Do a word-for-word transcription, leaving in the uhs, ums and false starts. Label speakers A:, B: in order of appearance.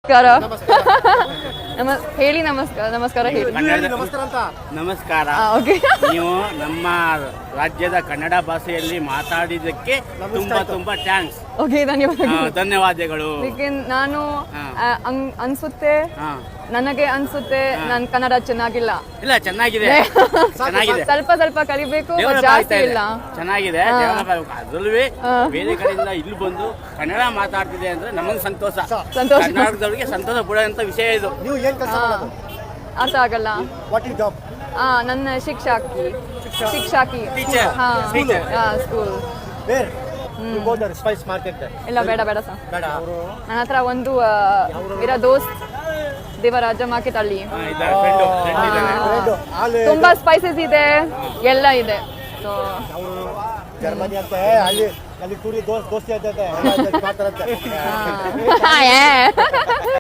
A: ನಮ ಹೇಳಿ ನಮಸ್ಕಾರ ನಮಸ್ಕಾರ ಹೇಳಿ
B: ನಮಸ್ಕಾರ ಅಂತ
C: ನಮಸ್ಕಾರ.
A: ಓಕೆ
C: ನೀವು ನಮ್ಮ ರಾಜ್ಯದ ಕನ್ನಡ ಭಾಷೆಯಲ್ಲಿ ಮಾತಾಡಿದ್ದಕ್ಕೆ ತುಂಬಾ ತುಂಬಾ ಥ್ಯಾಂಕ್ಸ್.
A: ಓಕೆ ಧನ್ಯವಾದಗಳು.
C: ಧನ್ಯವಾದಗಳು.
A: ಅದಕ್ಕೆ ನಾನು
C: ಹಾ.
A: ಆ, ಅಂಗ್- ಅನ್ಸುತ್ತೆ
C: ಹಾ.
A: ನನಗೆ ಅನ್ಸುತ್ತೆ ನನ್ ಕನ್ನಡ ಚೆನ್ನಾಗಿಲ್ಲ.
C: ಇಲ್ಲ ಚೆನ್ನಾಗಿದೆ ಚೆನ್ನಾಗಿದೆ
A: ಸ್ವಲ್ಪ ಸ್ವಲ್ಪ ಕಲಿಬೇಕು,
C: Develop
A: ಜಾಸ್ತಿ
C: ಆಗ್ತಾ ಇದೆ.
A: ಇಲ್ಲ.
C: ಚೆನ್ನಾಗಿದೆ
A: ಹಾ.
C: develop ಆಗ್ಬೇಕು. ಅದ್ರಲ್ಲೂ
A: ಹಾ.
C: ಬೇರೆ ಕಡೆಯಿಂದ ಇಲ್ಲಿ ಬಂದು ಕನ್ನಡ ಮಾತಾಡ್ತಿದೆ ಅಂದ್ರೆ ನಮಗೆ ಸಂತೋಷ.
A: ಸಂತೋಷ.
C: ಕರ್ನಾಟಕದವರಿಗೆ ಸಂತೋಷ ಪಡುವಂತ ವಿಷಯ ಇದು.
B: ನೀವು ಏನ್ ಕೆಲಸ ಮಾಡೋದು?
A: ಅರ್ಥ ಆಗಲ್ಲ.
B: What is job?
A: ಆ, ನನ್ನ ಶಿಕ್ಷಕಿ ಶಿಕ್ಷಕಿ
C: Teacher.
A: ಹಾ
C: Teacher.
A: School.
B: Where you go there spice market?
A: ಇಲ್ಲ ಬೇಡ ಬೇಡ ಸರ್.
B: ಬೇಡ.
A: ನನ್ನ ಹತ್ರ ಒಂದು ಆ, ಇರೋ ದೋಸ್ತ್ ದೇವರಾಜ ಮಾರ್ಕೆಟ್ ಅಲ್ಲಿ
C: ಹಾ, ಇದ್ದಾರೆ, friend, friend ಇದ್ದಾರೆ.
B: Bread, ಹಾಲು,
A: ತುಂಬಾ ಸ್ಪೈಸಸ್ ಇದೆ, ಎಲ್ಲ ಇದೆ. ಸೊ
B: ಅವರು ಜರ್ಮನಿ ಅಂತೆ, ಅಲ್ಲಿ ಅಲ್ಲಿ ಟೂರಿ ದೋಸ್ತಿ ದೋಸ್ತಿ ಅಂತ ಮಾಡ್ತಾರಂತೆ.